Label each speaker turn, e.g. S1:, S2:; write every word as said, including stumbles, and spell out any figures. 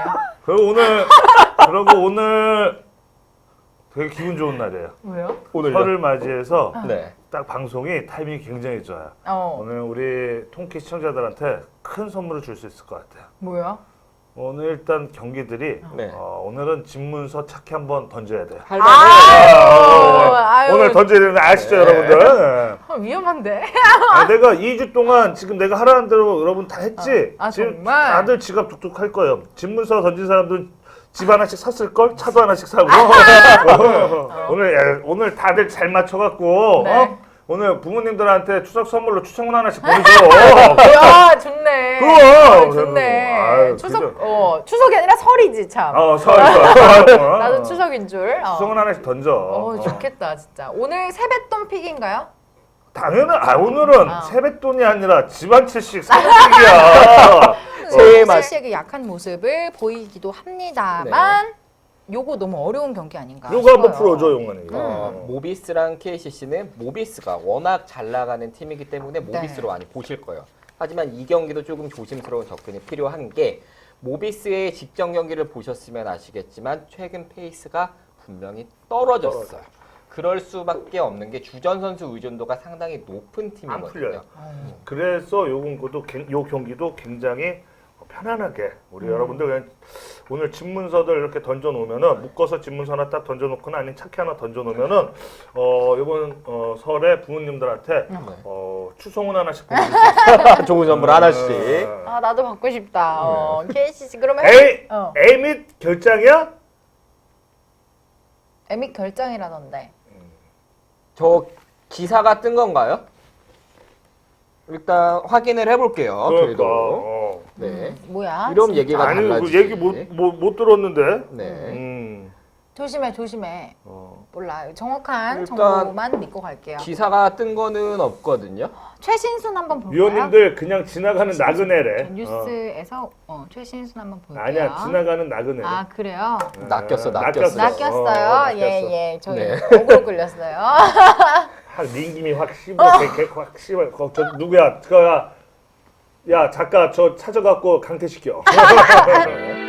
S1: 그리고 오늘 그리고 오늘 되게 기분 좋은 날이에요.
S2: 왜요?
S3: 오늘요?
S1: 설을 맞이해서
S3: 네.
S1: 딱 방송이 타이밍이 굉장히 좋아요.
S2: 어.
S1: 오늘 우리 통키 시청자들한테 큰 선물을 줄 수 있을 것 같아요.
S2: 뭐야?
S1: 오늘 일단 경기들이
S3: 네.
S1: 어, 오늘은 집문서 착히 한번 던져야 돼요.
S3: 할만해요.
S2: 아유, 아유.
S1: 오늘 던져야 되는데 아시죠,
S3: 네.
S1: 여러분들?
S2: 아, 위험한데.
S1: 아, 내가 이 주 동안 지금 내가 하라는 대로 여러분 다 했지?
S2: 아, 아,
S1: 지금
S2: 정말?
S1: 다들 지갑 뚝뚝 할 거예요. 집문서 던진 사람들은 집 하나씩 샀을걸? 차도 하나씩 사고. 오늘, 야, 오늘 다들 잘 맞춰갖고,
S2: 네.
S1: 어? 오늘 부모님들한테 추석 선물로 추천문 하나씩 보내줘.
S2: 야, 좋네.
S1: 그럼.
S2: 아, 좋네.
S1: 아유,
S2: 추석,
S1: 그죠.
S2: 어, 추석이 아니라 설이지, 참.
S1: 어, 설, 설. 어.
S2: 나도 추석인 줄. 어.
S1: 추석은 하나씩 던져.
S2: 어,
S1: 어.
S2: 좋겠다, 진짜. 오늘 세뱃돈 픽인가요?
S1: 당연히, 아, 오늘은
S2: 아.
S1: 세뱃돈이 아니라 집 한 채씩 사백씩이야.
S3: 새해 맛.
S2: 씨의 약한 모습을 보이기도 합니다만 요거 너무 어려운 경기 아닌가
S1: 요거 한번
S2: 싶어요.
S1: 풀어줘, 용만이.
S3: 어, 모비스랑 케이씨씨는 모비스가 워낙 잘 나가는 팀이기 때문에 모비스로
S2: 네.
S3: 많이 보실 거예요. 하지만 이 경기도 조금 조심스러운 접근이 필요한 게 모비스의 직전 경기를 보셨으면 아시겠지만 최근 페이스가 분명히 떨어졌어요. 그럴 수밖에 없는 게 주전 선수 의존도가 상당히 높은
S1: 안 풀려요.
S3: 팀이거든요.
S1: 그래서 요것도 요 경기도 굉장히 편안하게 우리 여러분들 그냥 오늘 집문서들 이렇게 던져 놓으면은 묶어서 집문서 하나 딱 던져 놓거나 아니면 차키 하나 던져 놓으면은 어 이번 어 설에 부모님들한테 어 추송은 하나씩 보내줄 수 있어요.
S3: 좋은 선물 하나씩.
S2: 아 나도 받고 싶다. 어, 케이씨씨 그러면
S1: A
S2: 어.
S1: A 및 결장이야?
S2: 에믹 결장이라던데.
S3: 저 기사가 뜬 건가요? 일단 확인을 해볼게요.
S1: 그러니까.
S3: 저희도.
S1: 어.
S3: 네.
S2: 뭐야?
S3: 이런
S2: 진짜?
S3: 얘기가
S1: 아니 그
S3: 달라지지.
S1: 얘기 못 못 못 들었는데.
S3: 네.
S1: 음.
S2: 조심해 조심해.
S1: 어.
S2: 몰라 정확한
S3: 일단
S2: 정보만 믿고 갈게요.
S3: 기사가 뜬 거는 없거든요.
S2: 최신순 한번 볼까요?
S1: 위원님들 그냥 지나가는 나그네래. 어.
S2: 뉴스에서 어, 최신순 한번 볼게요.
S1: 아니야 지나가는 나그네.
S2: 아 그래요?
S3: 낚였어, 낚였어.
S2: 낚였어요.
S1: 어,
S2: 예예. 저희
S3: 네.
S2: 억울로 끌렸어요.
S1: 확 민김이 확 씹어, 개, 개, 확 씹어. 거, 저 누구야? 그야, 야 작가 저 찾아갖고 강퇴시켜.